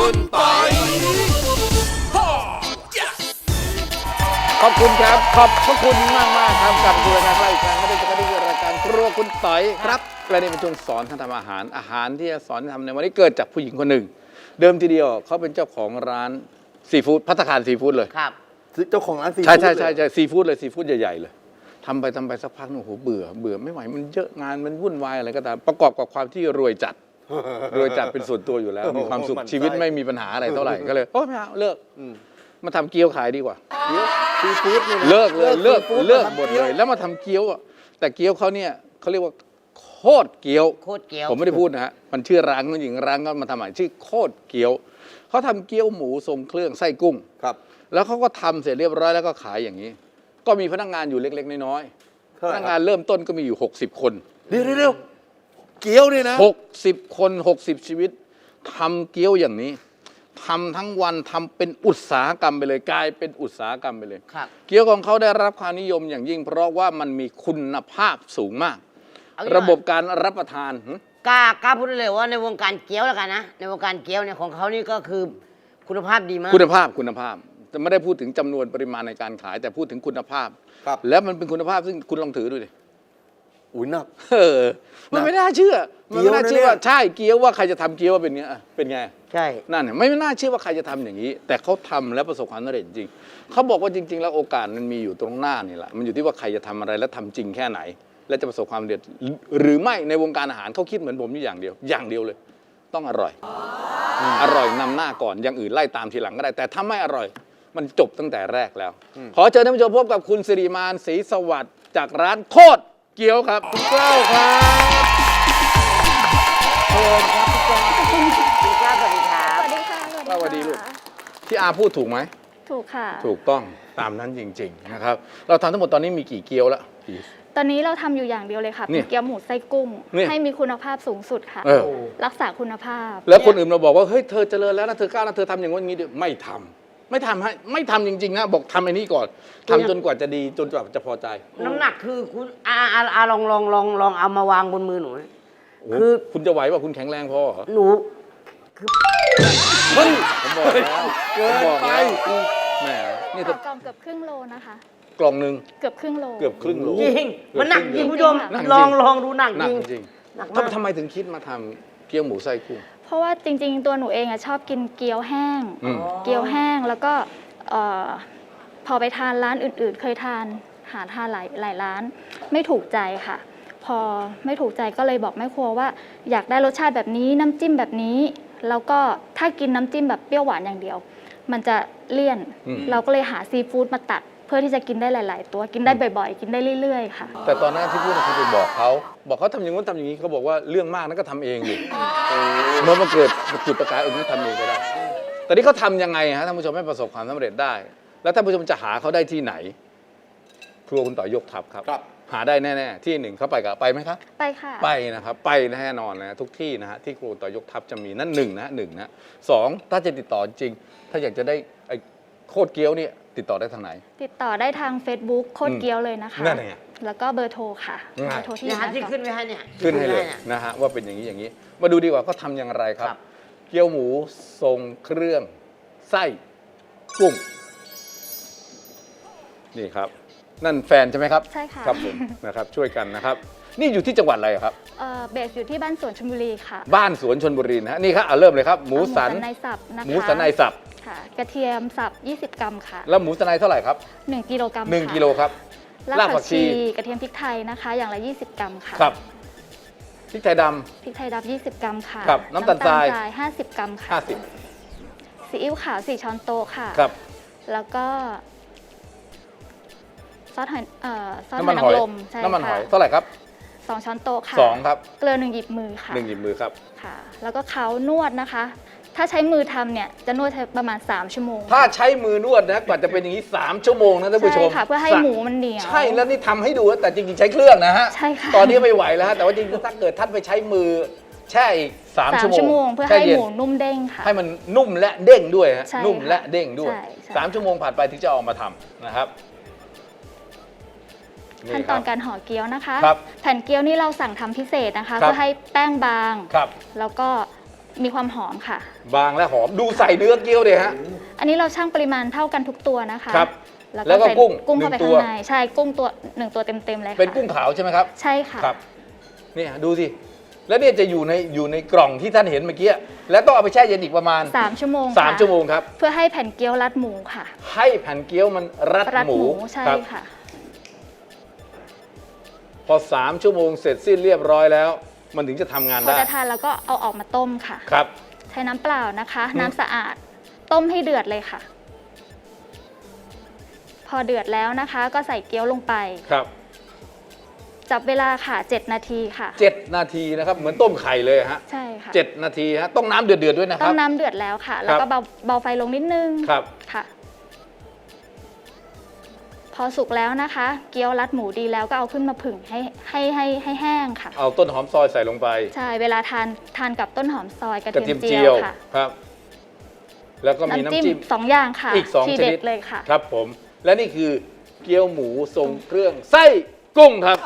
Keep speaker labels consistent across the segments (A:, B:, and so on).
A: คุณปอย
B: ขอบคุณครับขอบพระคุณมากครับกับรายการเราอีกครั้งไม่ได้จะได้รายการครัวคุณต่อยครับและนี่เป็นช่วงสอนท่านทำอาหารที่จะสอนทำในวันนี้เกิดจากผู้หญิงคนหนึ่งเดิมทีเดียวเขาเป็นเจ้าของร้านซีฟู้ดภัตตาคารซีฟู้ดเลย
C: ครับ
D: เจ้าของร้านซีฟู้ด
B: ใช่ซีฟู้ดเลยซีฟู้ดใหญ่ๆเลยทำไปสักพักนึงโอ้โหเบื่อไม่ไหวมันเยอะงานมันวุ่นวายอะไรก็ตามประกอบกับความที่รวยจัดเป็นส่วนตัวอยู่แล้วมีความสุขชีวิตไม่มีปัญหาอะไรเท่าไหร่ก็เลยโอ้ไม่เอาเลิกมาทำเกี๊ยวขายดีกว่า
D: ซีฟู้ดนี่นะ
B: เลิกหมด
D: ซีฟู้
B: เลยแล้วมาทำเกี๊ยวอ่ะแต่เกี๊ยวเขาเนี่ยเขาเรียกว่าโคตรเกี๊ยว
C: โคตรเกี๊ยว
B: ผมไม่ได้พูดนะฮะมันชื่อร้านผู้หญิงร้านก็มาทำใหม่ชื่อโคตรเกี๊ยวเขาทำเกี๊ยวหมูทรงเครื่องไส้กุ้ง
D: ครับ
B: แล้วเขาก็ทำเสร็จเรียบร้อยแล้วก็ขายอย่างนี้ ก็มีพนักงานอยู่เล็กๆน้อยๆพนักงานเริ่มต้นก็มีอยู่60 คน
D: เดี๋ยวเกี๊ยวนี่นะ
B: 60 คน60 ชีวิตทำเกี๊ยวอย่างนี้ทำทั้งวันทำเป็นอุตสาหกรรมไปเลยกลายเป็นอุตสาหกรรมไปเลย
C: ครับ
B: เกี๊ยวของเขาได้รับความนิยมอย่างยิ่ง เพราะว่ามันมีคุณภาพสูงมาก
C: เอาอย่าง
B: ระบบการรับประทาน
C: กล้าพูดได้เลยว่าในวงการเกี๊ยวแล้วกันนะในวงการเกี๊ยวเนี่ยของเขานี่ก็คือคุณภาพดีมาก
B: คุณภาพจะไม่ได้พูดถึงจำนวนปริมาณในการขาย แต่พูดถึงคุณภาพ
D: ครับ
B: แล้วมันเป็นคุณภาพซึ่งคุณลองถือดูดิ
D: อุ้ยหนัก
B: มันไม่น่าเชื่อมันไม่น่าเชื่อว่า
D: เกี๊ยวนะเนี่ย
B: ใช่เกี๊ยวว่าใครจะทำเกี๊ยวว่าเป็นไงเป็นไง
C: ใช่
B: นั่นเนี่ยไม่น่าเชื่อว่าใครจะทำอย่างนี้ แต่เขาทำแล้วประสบความสำเร็จจริงเขาบอกว่าจริง ๆ แล้วโอกาสมันมีอยู่ตรงหน้านี่แหละมันอยู่ที่ว่าใครจะทำอะไรและทำจริงแค่ไหน และจะประสบความสำเร็จหรือไม่ในวงการอาหารเขาคิดเหมือนผมอยู่อย่างเดียวเลย ต้องอร่อยอร่อยนำหน้าก่อนอย่างอื่นไล่ตามทีหลังก็ได้ แต่ถ้าไม่อร่อยมันจบตั้งแต่แรกแล้ว ขอเชิญท่านผู้ชมพบกับคุณสิริมานศรีสวัสดิ์จากร้านโคตรเกี๊ยวครับคุณเกล้าครับเชิญครับพี่เกล้า
C: คุณกล้าสวัสดีครับ
E: สวัสดีค่ะ
B: สวัสดีลูก ที่อาพูดถูกไหม
E: ถูกค่ะ
B: ถูกต้องตามนั้นจริง ๆ นะครับ เราทำทั้งหมดตอนนี้มีกี่เกี๊ยวแล้วกี่
E: ตอนนี้เราทำอยู่อย่างเดียวเลยค่ะ
B: นี่
E: เป็นเกี๊ยวหมูไส้กุ้ง
B: นี่
E: ให้มีคุณภาพสูงสุดค่ะ
B: เออ
E: รักษาคุณภาพ
B: แล้วคนอื่นเราบอกว่าเฮ้ยเธอเจริญแล้วนะเธอก้าวแล้วเธอทำอย่างนี้ดิไม่ทำให้ไม่ทำจริงๆนะบอกทำไอ้นี่ก่อนทำจนกว่าจะดีจนกว่าจะพอใจ
C: น้ำหนักคือคุณลองเอามาวางบนมือหนู
B: โอ้โห
C: คือ
B: คุณจะไหวว่าคุณแข็งแรงพอเหรอ
C: หนู
B: ผมบอกแล้ว
D: เกินไป
B: แหมนี่
E: ก
B: ถ้า
E: ล่องเกือบครึ่งโลนะคะ
B: กล่องหนึ่ง
E: เกือบครึ่งโล
B: เกือบครึ่งโล
C: จริงมันหนักจริงคุณผู้ชม
B: หนักจริง
C: ลองดูหนัก
B: หนั
C: จ
B: ก
C: ริง
B: จริง
C: หนักมาก
B: ทำไมถึงคิดมาทำเกี๊ยวหมูไส้กุ้ง
E: เพราะว่าจริงๆ ตัวหนูเองอะชอบกินเกี๊ยวแห้ง
B: อืม
E: เกี๊ยวแห้งแล้วก็เอ่อพอไปทานร้านอื่นๆ เคยทานหาทานหลายร้าน ไม่ถูกใจค่ะ พอไม่ถูกใจก็เลยบอกแม่ครัวว่า อยากได้รสชาติแบบนี้น้ำจิ้มแบบนี้ แล้วก็ถ้ากินน้ำจิ้มแบบเปรี้ยวหวานอย่างเดียว มันจะเลี่ยน เราก็เลยหาซีฟู้ดมาตัด เพื่อที่จะกินได้หลาย ๆ ตัวกินได้บ่อยๆ กินได้เรื่อยๆ ค่ะ
B: แต่ตอนนั้นที่พูดคือไปบอกเขาทำอย่างนู้นทำอย่างนี้เขาบอกว่าเรื่องมากนั้นก็ทำเองดิเมื่อมันเกิดจุดประกายนั้นทำเองก็ได้ แต่นี่เขาทำยังไงฮะท่านผู้ชมให้ประสบความสำเร็จได้ แล้วท่านผู้ชมจะหาเขาได้ที่ไหน ครัวคุณต่อยกทัพครับ
D: ครับ
B: หาได้แน่ๆที่หนึ่งเขาไปไหมครับ
E: ไปค่ะ
B: ไปนะครับไปแน่นอนนะทุกที่นะฮะที่ครัวต่อยกทัพจะมีนั่นหนึ่งนะสองถ้าจะติดต่อจริง ถ้าอยากจะได้ไอ้โคตรเกี๊ยวเนี่ยติดต่อได้ทางไหน
E: ติดต่อได้ทาง Facebook โคตรเกี๊ยวเลยนะคะ
B: นั่นไง
E: แล้วก็เบอร์โทรค่ะ
B: ง่าย
E: เบอร์โทรที่
C: เนี่ยฮะที่
E: หา
C: ขึ้นไว้ให้เนี่ย
B: ขึ้นให้เลย
C: นี่
B: นะฮะว่าเป็นอย่างนี้มาดูดีกว่าเขาทำอย่างไรครับ
C: ครับ
B: เกี๊ยวหมูทรงเครื่องไส้กุ้งนี่ครับ นั่นแฟนใช่ไหมครับ
E: ใช่ค่ะ
B: ครับผมนะครับช่วยกันนะครับ นี่อยู่ที่จังหวัดอะไรครับ
E: เบสอยู่ที่บ้านสวนชลบุรีค่ะ
B: บ้านสวนชนบุรีนะฮะนี่ครับเริ่มเลยครับหมูสัน
E: ในสับนะคะ
B: หมูสันในสับ
E: ค่ะ กระเทียมสับ 20 กรัมค่ะ
B: แล้วหมูสันในเท่าไหร่ครับ
E: 1 กิโลกรัม
B: 1 กิโลครับ
E: รากผักชีกระเทียมพริกไทยนะคะ อย่างละ 20 กรัมค่ะ
B: ครับพริกไทยด
E: พริกไทยดำ20 กรัมค่ะ
B: ครับน้ำตาลทราย
E: 50 กรัมค่ะ
B: ำ50
E: ซีอิ๊วขาว4ช้อนโต๊ะค่ะ
B: ครับ
E: แล้วก็ซอสหอยซอส
B: น้ำ
E: ห
B: มั
E: อน ย
B: หอย
E: นางรมใช่
B: น้ำมันห
E: ค่ะ
B: อยเท่าไหร่ครับ
E: 2 ช้อนโต๊ะค่ะ
B: 2ครับ
E: เกลือ1 หยิบมือค่ะ
B: 1 หยิบมือครับ
E: ค่ะ แล้วก็เขานวดนะคะ ถ้าใช้มือทำเนี่ยจะนวดใช้ประมาณ3 ชั่วโมง
B: ถ้าใช้มือนวดนะกว่าจะเป็นอย่างนี้3 ชั่วโมงนะท่านผู้ชม
E: ใช่ค่ะเพื่อให้หมูมันเหนียว
B: ใช่แล้วนี่ทำให้ดูนะแต่จริงๆใช้เครื่องนะฮะ
E: ใช่ค่ะ
B: ตอนนี้ไม่ไหวแล้วฮะแต่ว่าจริงๆถ้าเกิดท่านไปใช้มือแช่อีก3 ชั่ว
E: ชั่ว
B: โม
E: โม
B: ง
E: งเพื่อ
B: แช่
E: ให้
B: ย็น
E: หมูนุ่มเด้งค่ะ
B: ให้มันนุ่มและเด้งด้วยฮะ
E: ใช่ค่ะ
B: นุ่มและเด้งด้วย
E: ใช่ใช่
B: 3 ชั่วโมงผ่านไปถึงจะเอามาทำนะครับ
E: ขั้นตอนการห่อเกี๊ยวนะคะ
B: ครับ
E: แผ่นเกี๊ยวนี่เราสั่งทำพิเศษนะคะ
B: ครับ
E: เพื่อให้แป้งบาง
B: ครับ
E: แล้วก็มีความหอมค่ะ
B: บางและหอมดูใส่เนื้อเกี๊ยวเลยฮะ
E: อันนี้เราชั่งปริมาณเท่ากันทุกตัวนะคะ
B: ครับ
E: แล้ว
B: แล้วก็
E: ใส่
B: กุ้ง
E: กุ้งเข้าไป
B: หนึ่งตัว
E: ข้างในใช่กุ้งตัว1ตัวเต็มๆเลยค่ะ
B: เป็นกุ้งขาวใช่ไหมครับ
E: ใช่ค่ะ
B: ครับเนี่ยดูสิแล้วเนี่ยจะอยู่ในกล่องที่ท่านเห็นเมื่อกี้แล้วต้องเอาไปแช่เย็นอีกประมาณ
E: 3 ชั่วโมง
B: 3 ชั่วโมงครับ
E: เพื่อให้แผ่นเกี๊ยวรัดหมูค่ะ
B: ให้แผ่นเกี๊ยวมันรัด
E: รัด
B: ห
E: ห
B: มู
E: มูใช่
B: ครับ
E: ค่ะ
B: พอ 3 ชั่วโมงเสร็จสิ้นเรียบร้อยแล้ว มันถึงจะทำงาน
E: พอ
B: ได้
E: จะทานแล้วก็เอาออกมาต้มค่ะ
B: ครับ
E: ใช้น้ำเปล่านะคะ น้ำสะอาดต้มให้เดือดเลยค่ะ พอเดือดแล้วนะคะ ก็ใส่เกี๊ยวลงไป
B: ครับ
E: จับเวลาค่ะ7 นาทีค่ะ
B: 7 นาทีนะครับเหมือนต้มไข่เลยฮะ
E: ใช่ค่ะ
B: 7 นาทีฮะต้องน้ำเดือดๆด้วยนะค
E: ต้
B: รั
E: อบ งน้ำเดือดแล้วค่ะ แล้วก็เบาไฟลงนิดนึง
B: ครับ
E: ค่ะ พอสุกแล้วนะคะ เกี๊ยวรัดหมูดีแล้วก็เอาขึ้นมาผึ่งให้แห้งค่ะ
B: เอาต้นหอมซอยใส่ลงไป
E: ใช่เวลาทานกับต้นหอมซอยกระ
B: กระเที
E: เที
B: ย
E: ย
B: ม
E: ม
B: เจี
E: เจี
B: ย
E: ยว วค่ะ
B: ครับ แล้วก็มีน้ำจิ้ม
E: 2 อย่างค่ะ
B: อีก2
E: ที
B: ช
E: เด็
B: นิด
E: ดเลยค่ะ
B: ครับผมและนี่คือเกี๊ยวหมูทรงเครื่องไส้กุ้งครับ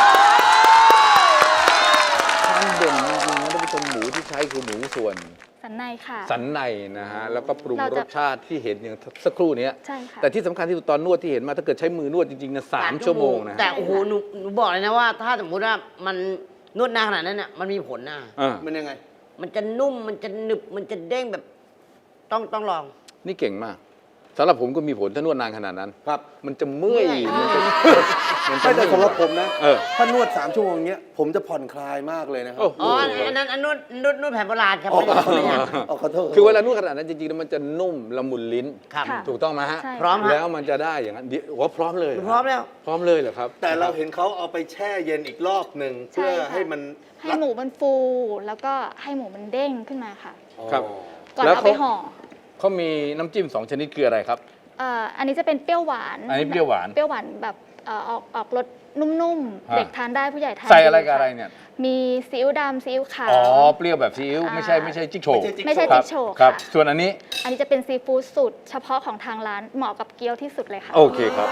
B: ความเด่นจริงๆนะท่านผู้ชมหมูที่ใช้คือหมูส่วน
E: สันในค่ะ
B: สันในนะฮะแล้วก็ปรุง
E: เรา
B: ร
E: จะ
B: สชาติที่เห็นอย่างสักครู่เนี้ย
E: ใช่ค่ะ
B: แต่ที่สำคัญที่สุดตอนนวดที่เห็นมาถ้าเกิดใช้มือนวดจริงๆนะ3 ชั่วโมงนะ
C: แต่โอ้โหหนูบอกเลยนะว่า ถ้าสมมติว่ามันนวดนานขนาดนั้นน่ะมันมีผลนะ
B: อ่า
D: มันยังไง
C: มันจะนุ่มมันจะหนึบมันจะเด้งแบบต้องลอง
B: นี่เก่งมากสำหรับผมก็มีผลถ้านวดนานขนาดนั้น
D: ครับ
B: มันจะเมื่อย
C: เมื่อย
B: มันจะ
D: ไม่แต่สำหรับผมนะ
B: เออ
D: ถ้านวด3 ชั่วโมงเงี้ย ผมจะผ่อนคลายมากเลยนะครั
B: โอ้โห
C: อ๋ออันนั้นนวดแผนโบราณครับ
D: อ๋อ
C: ไม่ใช่
D: ขอโทษ
B: คือเวลานวดขนาดนั้นจริงๆแล้วมันจะนุ่มละมุนลิ้น
C: ครับ
E: ค่ะ
B: ถูกต้องไหมฮะ
E: ใช่
C: พร้อมฮะ
B: แล้วมันจะได้อย่างนั้นเดี๋ยวว่าพร้อมเลยเห
C: พร้อมแล้ว
B: พร้อมเลยเหรอครับ
D: แต่เราเห็นเขาเอาไปแช่เย็นอีกรอบหนึ่ง
E: ใช่
D: เพื่อ
E: ค่ะ
D: ให้มัน
E: ให้หมูมันฟู แล้วก็ให้หมูมันเด้งขึ้นมาค่ะ
B: ครับ
E: ก่อน
B: แล้ว
E: เอาไปห่อ
B: เขามีน้ำจิ้ม2 ชนิดคืออะไรครับ
E: อันนี้จะเป็นเปรี้ยวหวาน
B: อันนี้เปรี้ยวหวาน
E: เปรี้ยวหวานแบบออกรสนุ่ม
B: ฮะ
E: ๆ เด็กทานได้ผู้ใหญ่ทาน
B: ใส่อะไรกับ
E: ค่
B: อะไรเนี่ย
E: มีซีอิ๊วดำซีอิ๊วขาว
B: อ๋อ เปรี้ยวแบบซีอิ๊วไม่ใช่จิ๊กโฉว
E: ไม่ใช่
B: ครั
E: จิ๊
B: บ
E: กโฉว
B: ครับ
E: ค่ะ
B: ส่วนอันนี้
E: อันนี้จะเป็นซีฟู้ดสูตรเฉพาะของทางร้านเหมาะกับเกี๊ยวที่สุดเลยค่ะ
B: โอเคครับ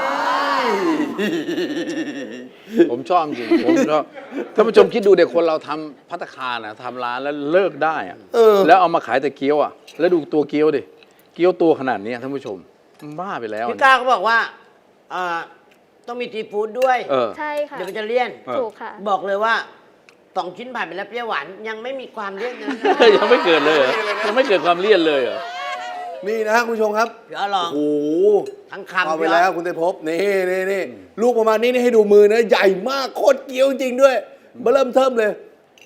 B: ผมชอบจริงผมชอบท่านผู้ชมคิดดูเด็กคนเราทำภัตตาคารนะทำร้านแล้วเลิกได้อะ
D: เออ
B: แล้วเอามาขายแต่เกี๊ยวอ่ะแล้วดูตัวเกี๊ยวดิเกี๊ยวตัวขนาดนี้ท่านผู้ชมมันบ้าไปแล้ว
C: พี่ก้าเขาบอกว่าต้องมีซีฟู้ดด้วย
B: เออ
E: ใช่ค่ะ
C: เดี๋ยวมันจะเลี่ยน
B: เออ
E: ถูกค่ะ
C: บอกเลยว่า2 ชิ้นผ่านไปแล้วเปรี้ยวหวานยังไม่มีความเลี่ยนนะ
B: ยังไม่เกิดเลยเหรอยังไม่เกิดความเลี่ยนเลยเหรอ
D: นี่นะฮะคุณผู้ชมครับ
C: เดี๋ยวลอง
D: โอ้โห
C: ทั้งคำ
D: เอาไปแล้วคุณเตยภพนี่ลูกประมาณนี้นี่ให้ดูมือนะ ใหญ่มากโคตรเกี๊ยวจริงด้วยเบอร์เริ่มเทิมเลย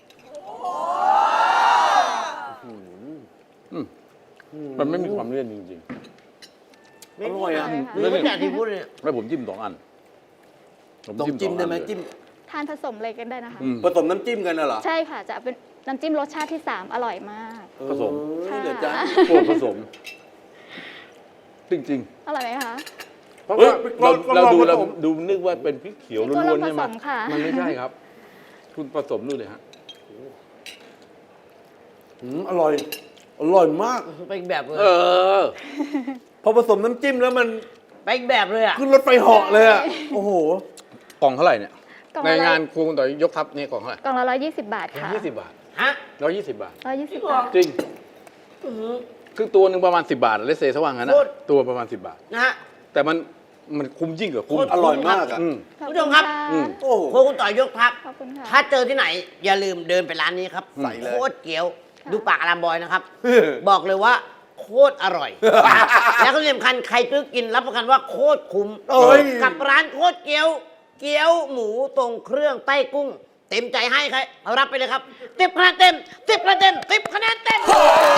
B: มันไม่มีความเลี่ยนจริง
C: ไม่
D: อร่อยอะ
C: ไม่ไม่แต่ซีฟู้ดเนี่ย
B: ๆแล้วผมจิ้ม2 อัน
D: ต้องจิ้มได้ไหมจิ้ม
E: ทานผสมเลยกันได้นะคะ
B: อืม
D: ผสมน้ำจิ้มกันน่ะเหรอ
E: ใช่ค่ะ จะเป็นน้ำจิ้มรสชาติที่ 3 อร่อยมาก
B: ผสม
D: เออเดี๋ยวจ้า
B: พวกผสม จริง
E: อร่อยไหมคะ
B: ๆ เพราะว่าเราดู
D: ผ
B: เรา
D: สม
B: ดูนึกว่าเป็นพริกเขียว
E: พี่
B: ล้
E: ตัว
B: วนๆใช่ไหม
E: ผสมค่ะ
B: มันไม่ใช่ครับ คุณผสมดูเลยฮะ
D: อร่อย อร่อยมาก
C: ไปอีกแบบเลย
B: เออ
D: พอผสมน้ำจิ้มแล้วมัน
C: ไปอีกแบบเลยอ่ะ
D: ขึ้นรถไฟเหาะเลยอ่ะ โอ้โห
B: กล่องเท่าไหร่เนี่ย
E: กล่อง
B: ใน
E: ละ
B: งานครูคุณต่อยยกทัพนี่กล่องเท่าไหร่
E: กล่องละ120 บาทค่ะ
B: 20 บาท
C: ฮะ
B: 120 บาท
E: 120 บาท
B: จริง คือตัวหนึ่งประมาณ 10 บาทเลสเซสว่างงั้นนะ
C: โคตร
B: ตัวประมาณ 10 บาท
C: นะฮะ
B: แต่มันคุ้มยิ่งกว่าคุ้ม
C: โคตร
D: อร่อยมากอ่ะ
B: อืม
E: ขอบ
C: ผู้ชมครับ
E: ะ
B: อืม
D: โอ้โห
C: โคคุณต่อยยกทัพ
E: ขอบคุณค่ะ
C: ถ้าเจอที่ไหน อย่าลืมเดินไปร้านนี้ครับ
D: ใส่เลย
C: โคตรเกี๊ยว ดูปากอารามบอยนะครับ บอกเลยว่าโคตรอร่อย แล้วก็ที่สำคัญใครซื้อกินรับประกันว่าโคตรคุ้ม
D: โอ้ย
C: กับร้านโคตรเกี๊ยว เกี๊ยวหมูตรงเครื่องใต้กุ้ง เต็มใจให้ใครเอารับไปเลยครับ10 คะแนนเต็ม10 คะแนนเต็ม10 คะแนนเต็ม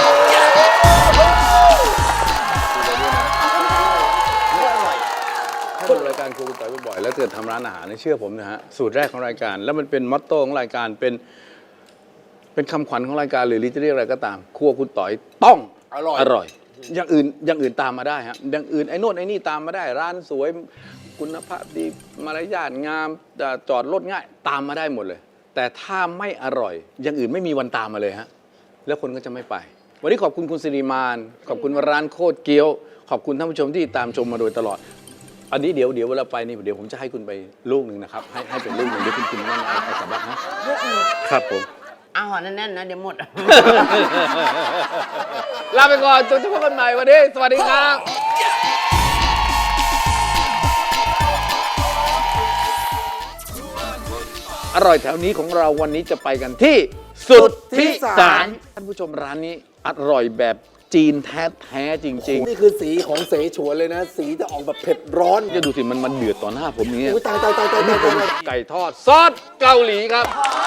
B: ถ้าดูรายการครูคุณต่อยบ่อยๆแล้วเกิดทำร้านอาหารเนี่ยเชื่อผมนะฮะสูตรแรกของรายการ แล้วมันเป็นมอตโต้ของรายการเป็นคำขวัญของรายการหรือจะเรียกอะไรก็ตามครัวคุณต่อยต้อง
D: อร่อย
B: อร่อย อย่างอื่นตามมาได้ฮะอย่างอื่นไอ้โน่นไอ้นี่ตามมาได้ ร้านสวยคุณภาพดีมารยาทงามจอดรถง่ายตามมาได้หมดเลย แต่ถ้าไม่อร่อย อย่างอื่นไม่มีวันตามมาเลยฮะแล้วคนก็จะไม่ไป วันนี้ขอบคุณคุณสิริมานขอบคุณร้านโคตรเกี๊ยว ขอบคุณท่านผู้ชมที่ตามชมมาโดยตลอด อันนี้เดี๋ยวเวลาไปนี่เดี๋ยวผมจะให้คุณไปลูกหนึ่งนะครับให้เป็นลูกหนึ่งเดี๋ยวคุณกินนั่นเอากลับบ้านนะครับผม
C: เอาห่อแน่นๆนะเดี๋ยวหมด
B: ลาไปก่อนจนพบกันใหม่วันนี้สวัสดีครับ อร่อยแถวนี้ของเราวันนี้จะไปกันที่สุทธิสารท่านผู้ชมร้านนี้อร่อยแบบจีนแท้ๆจริง
D: นี่คือสีของเสฉวนเลยนะ สีจะออกแบบเผ็ดร้อน
B: ๆจะดูสิมันเดือดต่อหน้าผมอย่างเงี้ย
D: อุ้ยตายตายตายตายตายตาย
B: ไก่ทอดซอสเกาหลีครับ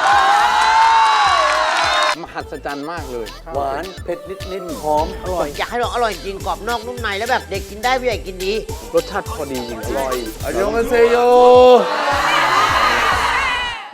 B: มหัศจรรย์มากเลย
D: หวานเผ็ดนิดๆหอมอร่อย
C: อยากให้ลองอร่อยจริงกรอบนอกนุ่มในแล้วแบบเด็กกินได้ผู้ใหญ่กินดี
B: รสชาติพอดีจริงๆ
D: อร่อยอันยองกันเซโย